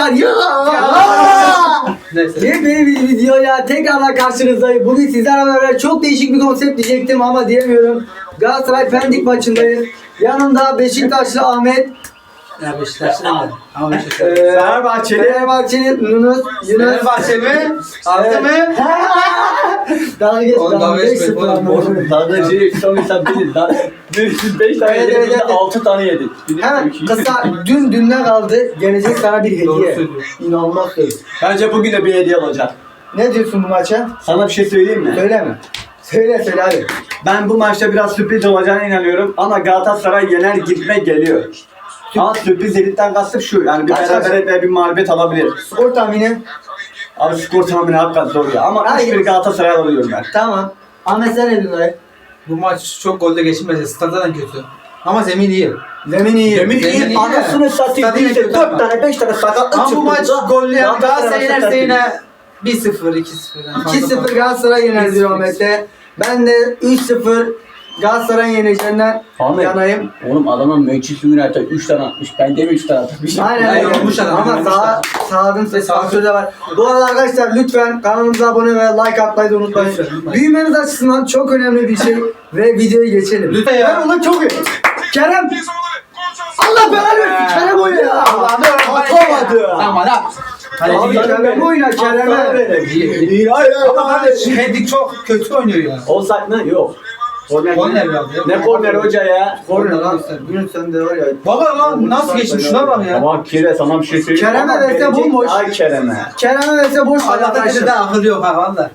var ya. Neyse. Yepyeni bir videoyla tekrardan karşınızdayım. Bugün sizlerle beraber çok değişik bir konsept diyecektim ama diyemiyorum. Galatasaray Pendik maçındayız. Yanımda Beşiktaşlı Ahmet. Ya Beşiktaş'ta mı? Ama Beşiktaş. Fenerbahçe'nin Yunus. Fenerbahçe mi? Altı mı? Daha geç. Oğlum, daha geç 5-0 oğlum. ama. Daha şey sanırsam bilir. Daha 5 tane Evet, yedik, evet, biz de evet. 6 tane yedik. Hemen kısa dünden kaldı. Gelecek sana bir Doğru hediye. söylüyorsun. İnanılmaz söz. Bence bugün de bir hediye olacak. Ne diyorsun bu maça? Sana bir şey söyleyeyim mi? Söyleme. Söyle hadi. Ben bu maçta biraz sürpriz olacağına inanıyorum ama Galatasaray yener gitme geliyor. Ama sürpriz dedikten kastım şu, yani bir Kaç beraberlik ve bir mağlubiyet alabilir. Skor tahmini. Abi skor tahmini hakikaten zor ya ama Hayır. 3-1 Galatasaray alıyorum ben. Tamam. Ahmet sen ne diyorsun? Bu maç çok golle geçilmez. Staddan kötü. Ama zemin iyi. Zemin iyi. Zemin iyi. iyi, anasını satayım Stadın değilse kötü 4 ama. tane 5 tane sakatlık Ama bu çıktı. maç gollü yani Galatasaray Galatasaray maçı yenerse yine 1-0, 2-0. Yani fazla 2-0 Galatasaray yener diyor Ahmet'e. Ben de 3-0 Galatasaray'ın yeneceğinden Ahmet. yanayım. Oğlum adamın Manchester United 3 tane atmış. Ben de mi 3 tane atmış? Aynen Ay, öyle. yorulmuş adam, Ama yorulmuş sağdım ses faktörü de var. Bu arada arkadaşlar lütfen kanalımıza abone ve like atmayı da unutmayın. Lütfen. Büyümeniz açısından çok önemli bir şey ve videoyu geçelim. Lütfen ya. Ben ona çok iyi. Kerem. Allah belanı versin. Kerem oynuyor ya. Allah'ım Atamadı. Aman lan. Abi Kerem oyna Kerem'e. İyi, hayır, Ama kardeş Pendik çok kötü oynuyor ya. Offside mı? Yok. Korner ya. Ne korner hoca ya? Korner lan. Yunus sen de var ya. Baba lan nasıl geçmiş şuna bak ya. Tamam Kire sana bir şey söyleyeyim. Kerem'e Ama verse verecek- bomboş. Ay Kerem'e. Kerem'e verse boş ver Allah'ta arkadaşlar. dedi akıl yok ha valla.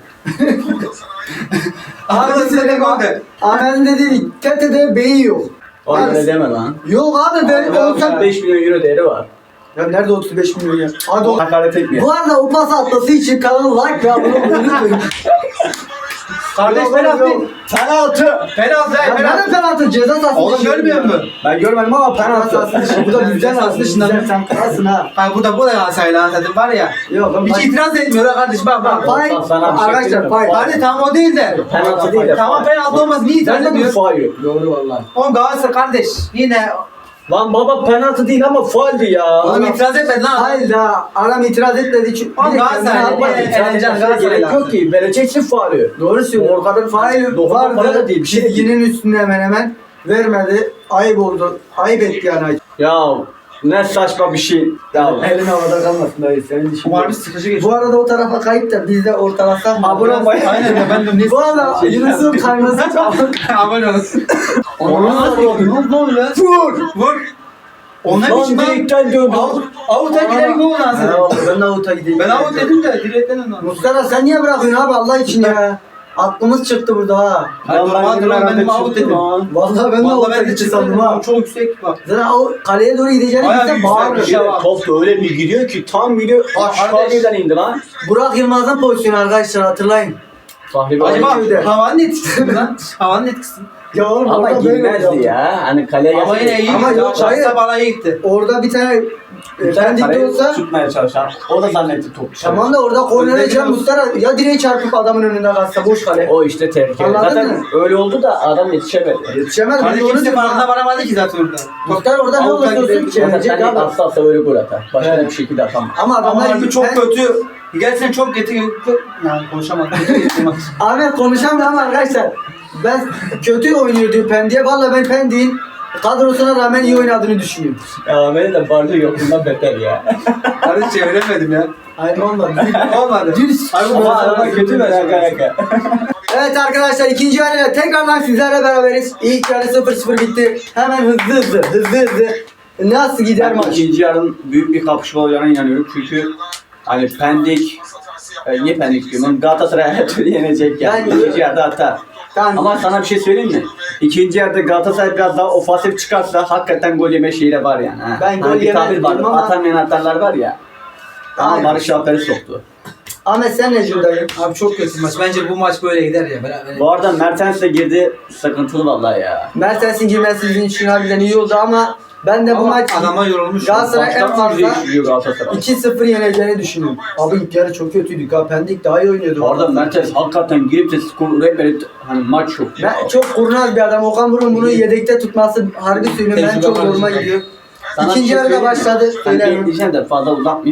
Abi Akıl size size bak. golde. Ahmet'in dediği TT'de beyin yok. Oğlum Abi- öyle deme lan. Yok abi ben olsam 5 milyon euro değeri var. Ya nerede 35 milyon ya? Hadi o. Hakaret etmiyor. Bu arada o pas atması için kanalı like ve abone olmayı unutmayın. Kardeş Yok, penaltı. yok. Penaltı. Penaltı Ya penaltı. nerede penaltı? Ceza sahası Oğlum dışı. görmüyor musun? Ben görmedim ama Penaltı penaltı. sahası dışı. Bu da bizden Ceza aslında. dışından. Bizden sen kralsın ha. Ha bu da Galatasaray'la anladım var ya. Yok oğlum. Hiç itiraz etmiyor ha kardeş bak bak. Fay. Sana bir şey Arkadaşlar söyleyeyim mi? fay. Hadi tam o değil de. Penaltı değil de. Tamam penaltı olmaz niye itiraz Ben de bu ediyor? faul yok. Doğru vallahi. Oğlum Galatasaray kardeş yine. Lan baba penaltı değil ama fauldü ya. Oğlum itiraz etmedi lan. Hayır da adam itiraz etmedi çünkü. Oğlum Bir de Galatasaray kendine niye atmadı. eğleneceksin Gerek Galatasaray'la? yok ki. Vereceksin faulü. Doğru söylüyor. Orkadan Fail dokunma falan vardı. da değil. Bir şey değil. Çizginin üstünde hemen vermedi. Ayıp oldu. Ayıp etti yani. Ya ne saçma bir şey. Ya Elin havada kalmasın dayı. Senin dişin. Bu harbi sıkıcı geçiyor. Bu arada o tarafa kayıp da biz de ortalasak mı? Abone olmayı- Aynen ya ben de ne Bu arada Yunus'un kayması çaldı. Abone olsun. Onu nasıl yapıyor? Ne oluyor? Vur! Vur. Onlar Lan için ben direkten döndü. avuta giderek ne oldu Ha, aslında? Ben de avuta gideyim. Ben avut dedim de direkten ondan. Mustafa sen niye bırakıyorsun abi Allah için ya? Aklımız çıktı burada ha. Hayır, normaldir lan, ben de avut dedim. Vallahi ben de Vallahi avuta ben de gitti çıktım sandım ha. çok yüksek bak. Zaten o kaleye doğru gideceğini Bayağı bilsem yüksek bağırır. bir şey var. Top da öyle bir gidiyor ki tam gidiyor. Aşağı birden indi lan. Burak Yılmaz'ın pozisyonu arkadaşlar hatırlayın. Fahri Acaba öyle. havanın etkisi mi lan? Havanın etkisi mi? Ya oğlum ama orada böyle girmezdi oldu. ya. Hani kaleye Ama yine iyi. Ama yok, hayır. Şansa bana iyi gitti. Orada bir tane Pendik'te olsa tutmaya çalışan. O da zannetti top. tamam da orada kornere Önde Can biraz- Mustafa ya direğe çarpıp adamın önünde kalsa boş kale. O işte tehlikeli. Anladın Zaten mı? öyle oldu da adam yetişemedi. Yetişemez. Hani Ben de onu kimse diyorum farkına ha. varamadı ki zaten orada. Muhtar orada ne Avuta olursa olsun gidelim. çevirecek Zaten adam. atsa öyle gol atar. Başka Evet. bir şekilde atamaz. Ama Ama adamlar harbi çok ben- kötü. Gerçekten çok kötü. Yani konuşamadım. Ahmet konuşamıyor ama arkadaşlar ben kötü oynuyor diyor Pendik'e. Valla ben Pendik'in kadrosuna rağmen iyi oynadığını düşünüyorum. Ya beni de Barca yokluğundan beter ya. Kardeş çeviremedim ya. Hayır olmadı. Olmadı. Düz. Abi bu Ama arada araba kötü ver yaka. Evet arkadaşlar ikinci yarıyla tekrardan sizlerle beraberiz. İlk yarı 0-0 bitti. Hemen hızlı. Nasıl gider Ben maç? ikinci yarın büyük bir kapışma olacağına inanıyorum. Çünkü hani Pendik, niye Pendik diyorum? Galatasaray her türlü yenecek yani. Ben- İkinci yarıda atar. Ben, Ama sana bir şey söyleyeyim mi? İkinci yarıda Galatasaray biraz daha ofansif çıkarsa hakikaten gol yeme şeyi de var yani. Ha. Ben gol Hani bir yemem tabir var. diyorum ama- Atamayan atarlar var ya. Ama Aynen. Barış Alper'i soktu. Ahmet sen ne diyorsun dayı? Abi çok kötü maç. Bence bu maç böyle gider ya. Beraber. Bu arada Mertens de girdi. Sıkıntılı vallahi ya. Mertens'in girmesi sizin için harbiden iyi oldu ama ben de bu Ama maç adama yorulmuş. Galatasaray en Baştan fazla değiştiriyor Galatasaray. 2-0 yeneceğini düşünüyorum. Abi ilk yarı çok kötüydük ha. Pendik daha iyi oynuyordu. Bu arada Mertens hakikaten girip de skor rehberi hani maç çok. Ben çok kurnaz bir adam. Okan Buruk'un bunu yedekte tutması harbi söylüyorum. Ben Tecrübe çok var zoruma bizim. gidiyor. Sana İkinci bir şey yarıda söyleyeyim mi? başladı. Sen Söyleyeyim. diyeceğim de fazla uzatmayayım.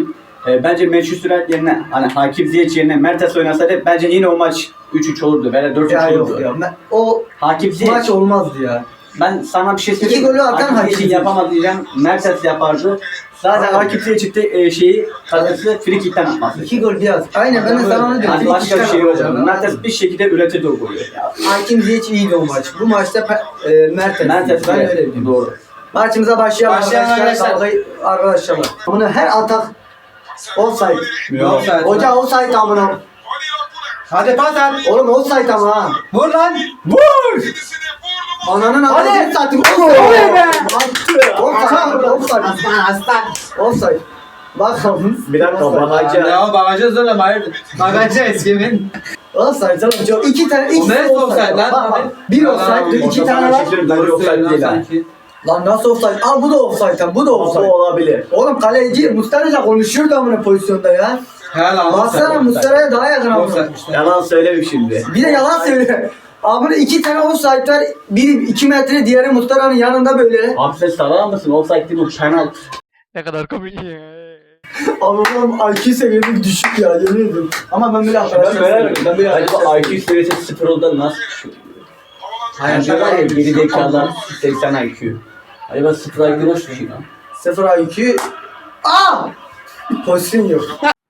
Bence Manchester United yerine hani Hakim Ziyech yerine Mertens oynasaydı bence yine o maç 3-3 olurdu veya 4-3 Ya olurdu. yok ya. O Hakim Ziyech. maç olmazdı ya. Ben sana bir şey söyleyeyim. İki golü atan Hakim Hakim Ziyech'in Ziyech. yapamadı diyeceğim. Mertens yapardı. Zaten Hakim Ziyech'in de şeyi kalecisi free kick'ten atması. 2 gol biraz. Aynen ben de sana onu diyorum. Hani Free başka bir kick'ten şey yok. atacağım. Mertens bir şekilde üretirdi o golü. Hakim Ziyech iyiydi o maç. Bu maçta Mertens. Mertens Ben evet, öyle diyorum. doğru. Maçımıza başlayalım Başlayalım arkadaşlar. arkadaşlar. Arkadaşlar. Bunu her atak offside. Yok. Hoca offside amına. Hadi pas at. Oğlum offside ama ha. Vur lan. Vur! Ananın Hadi. adını satayım. Oley be. Offside. Offside. Offside. Bakalım. Bir dakika Bahaca. Ya bagajı zorla hayırdır. Bagajı eskimin. Offside canım çok. İki tane. O İkisi neresi offside lan? Bak, bak. Bir offside. İki tane var. Doğru offside değil ha. Lan nasıl offside? Al bu da offside. Bu da Bu offside. olabilir. Oğlum kaleci Mustara'yla konuşuyordu amına pozisyonda ya. Helal lan. Baksana Mustara'ya daha yakın amına. Offside. Yalan söyleme şimdi. Bir de yalan söylüyor. Abi iki tane offside var. Biri 2 metre, diğeri Mustara'nın yanında böyle. Abi sen sarar mısın? Offside değil bu penaltı. Ne kadar komik ya. Abi oğlum IQ seviyemiz düşük ya yemin ediyorum. Ama ben böyle Ben böyle acaba IQ seviyesi 0 olduğunda nasıl düşüyor? Yani şöyle var ya geri zekalar 80 IQ. Acaba 0 IQ nasıl düşüyor lan? 0 IQ. Aa! Pozisyon yok.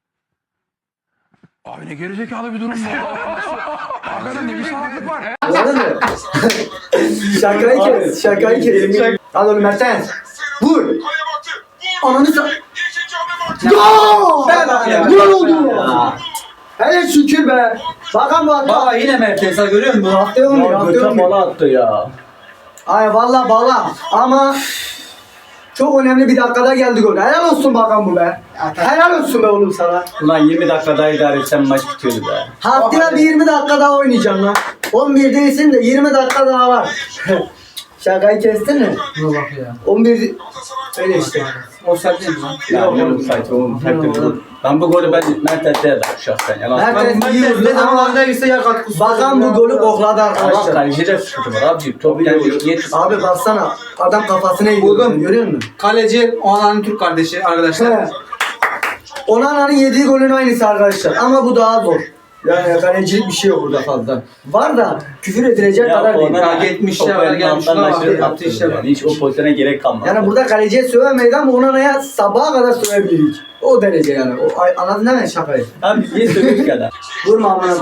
Abi ne gerizekalı bir durum bu. Hakikaten ne bir salaklık var. Anladın mı? Şakayı kes. Şakayı kes. Al oğlum Mertens. Vur. Ananı sa... Gol! Ya. Gol oldu. Ya. Hele şükür be. Bakan bu adam. Baba yine Mertens ha, görüyor musun? Haftaya olmuyor. Ya Haftaya göte olmuyor. bala attı ya. Ay valla bala. Ama çok önemli bir dakikada geldi gol. Helal olsun bakan bu be. Helal olsun be oğlum sana. Ulan 20 dakika daha idare etsem maç bitiyordu be. Haftaya bir 20 dakika daha oynayacağım lan. 11 değilsin de 20 dakika daha var. Şakayı kestin mi? Buna bak ya. 11 öyle işte. Offside değil mi lan? Ya oğlum sayfa oğlum. Ben bu golü Mertens'e yazarım şahsen. Yalan. Mertens iyi vurdu Ne zaman ama oradaysa yer katkısı. bakan bu golü kokladı Allah arkadaşlar. kalecide sıkıntı var abi. Top geldi. Abi baksana adam kafasına yiyor. Buldum. Görüyor musun? Kaleci Onan'ın Türk kardeşi arkadaşlar. He. Onana'nın yediği golün aynısı arkadaşlar. Ama bu daha zor. Yani kalecilik bir şey yok burada fazla. Var da küfür edilecek kadar değil. Hak etmiş ya, var, gelmiş, şuna bak, yaptığı işe bak. Hiç o pozisyona gerek kalmadı. Yani burada kaleciye sövemeyiz ama Onana'ya sabaha kadar sövebiliriz. O derece yani. Anladın değil mi şakayı? Abi niye söylüyorsun ki adam? Vurma amına.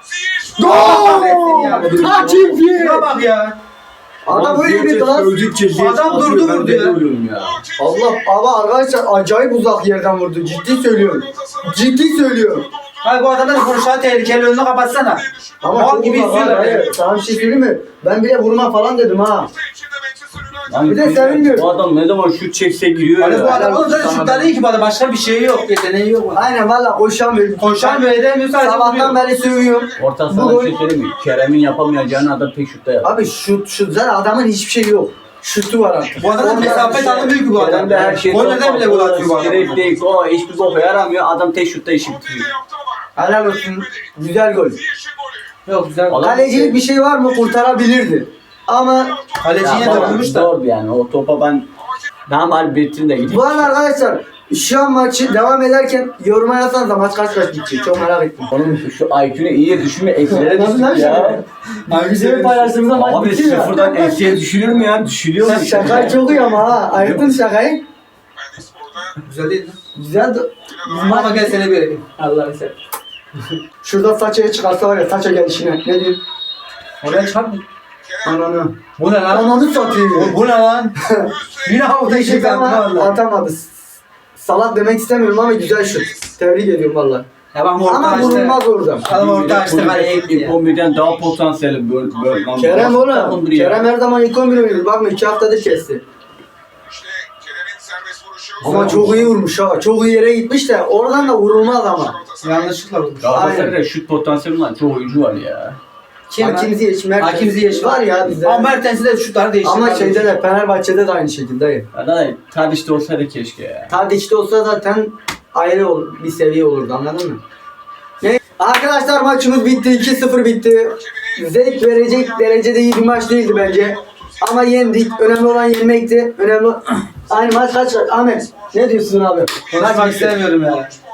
Gol! Hakim Şuna bak ya. Adam öyle bir gaz. Adam durdu vurdu ya. ya. Allah ama arkadaşlar acayip uzak yerden vurdu. Ciddi söylüyorum. Ciddi söylüyorum. Hayır bu adamlar vuruşa tehlikeli, önünü kapatsana. Ama Mal çok gibi uzak. izliyorlar ya. Hayır, sana bir şey söyleyeyim mi? Ben bile vurma falan dedim ha. Lan Bir de sevinmiyorum. Bu adam ne zaman şut çekse giriyor Hani ya. bu adam onun zaten şutları iyi ki bu adam, başka bir şey yok, yeteneği yok. Aynen valla koşamıyorum. Koşan bir edemiyor, sadece Sabahtan vuruyor. beri sövüyorum. Orta Bu saha gol- bir şey söyleyeyim mi? Kerem'in yapamayacağını adam tek şutta yaptı. Abi şut zaten adamın hiçbir şey yok. Şutu var artık. Bu adamın mesafe tanımıyor ki bu adam. Kerem de her şeyi Golden bile gol atıyor bu adam. Direkt değil. O hiçbir boka yaramıyor. Adam tek şutta işi bitiriyor. Helal olsun. Güzel gol. Yok güzel. Adam- Kalecilik bir şey var mı kurtarabilirdi. Ama Kaleci yine Ya de baba, vurmuş da. Zordu yani. O topa ben daha mal bitirdim de gideyim. bu arada arkadaşlar şu an maçı devam ederken yoruma yazsanız da maç kaç bitecek çok merak ettim. Oğlum şu IQ'nu iyiye düşürme eksilere Nasıl lan düştük ya. Abi Bizim paylaştığımızda maç Abi bitiyor. sıfırdan eksiye düşürür mü ya? Düşürüyor mu? Şakayı çok iyi ama ha. Ayırttın şakayı. Güzel değil mi? Güzel de. Ama gel seni bir yapayım. Allah'ını seversen. Şurada saçaya çıkarsa var ya saça gelişine. Ne diyeyim? Oraya çıkartma. Ananı. Bu ne lan? Ananı satayım. Bu ne lan? Yine havada işe Teşekkür ama kalktı valla. atamadı. Salak demek istemiyorum ama güzel şut. Tebrik ediyorum valla. Ya bak orta Ama açtı. vurulmaz orada. Adam orta açtı kaleye gitti ya. 11'den daha potansiyeli böyle. Lan Kerem bu oğlum. takımdır ya. Kerem her zaman ilk 11 oynuyor. Bakma 2 haftadır kesti. Ama çok iyi vurmuş ha. Çok iyi yere gitmiş de oradan da vurulmaz ama. Yanlışlıkla vurmuş. Galatasaray'da şut potansiyeli olan çok oyuncu var ya. Kim lan? Hakim Ziyech, Mertens. Hakim Ziyech var ya bizde. Ama Mertens'i de şutları değişti. Ama şeyde de Fenerbahçe'de de aynı şekilde. Ya da Tadiç'te olsaydı keşke ya. Tadiç'te olsa zaten ayrı bir seviye olurdu anladın mı? Ne? Arkadaşlar maçımız bitti. 2-0 bitti. Zevk verecek derecede iyi bir maç değildi bence. Ama yendik. Önemli olan yenmekti. Önemli aynı maç kaç? Ahmet ne diyorsun abi? Konuşmak istemiyorum ya.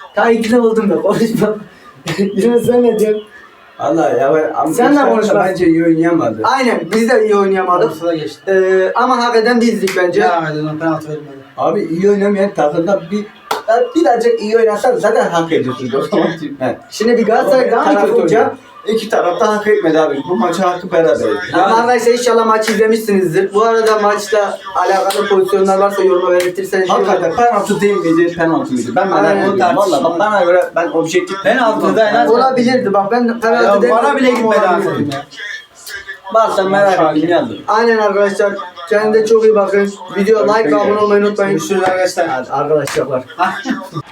Ta ikna oldum da konuşma. Yine sen ne diyorsun? Valla ya ama Sen de Beşiktaş da konuşma. bence iyi oynayamadı. Aynen biz de iyi oynayamadık. Ortada geçti. Ama hak eden bizdik bence. Ya Aydın'a penaltı verilmedi. Abi iyi oynamayan takımda birazcık iyi oynasan zaten hak ediyorsunuz o zaman. He. Şimdi bir Galatasaray daha mı kötü olacak? İki taraf da hak etmedi abi. Bu maçı hakkı beraberdi. Ama arkadaşlar inşallah maçı izlemişsinizdir. Bu arada maçla alakalı pozisyonlar varsa yoruma belirtirseniz. Hakikaten penaltı değil miydi? Penaltı mıydı? Ben Aynen. merak ediyorum. Valla bak bana göre ben objektif Penaltı da en az. Olabilirdi bak ben penaltı Ya demiyorum bana bile ama gitmedi olabilirdi. anasını ya. varsa merak ettim yazın. Aynen arkadaşlar. Kendinize çok iyi bakın. Video like ve abone olmayı unutmayın. Görüşürüz arkadaşlar. Hadi arkadaşlar.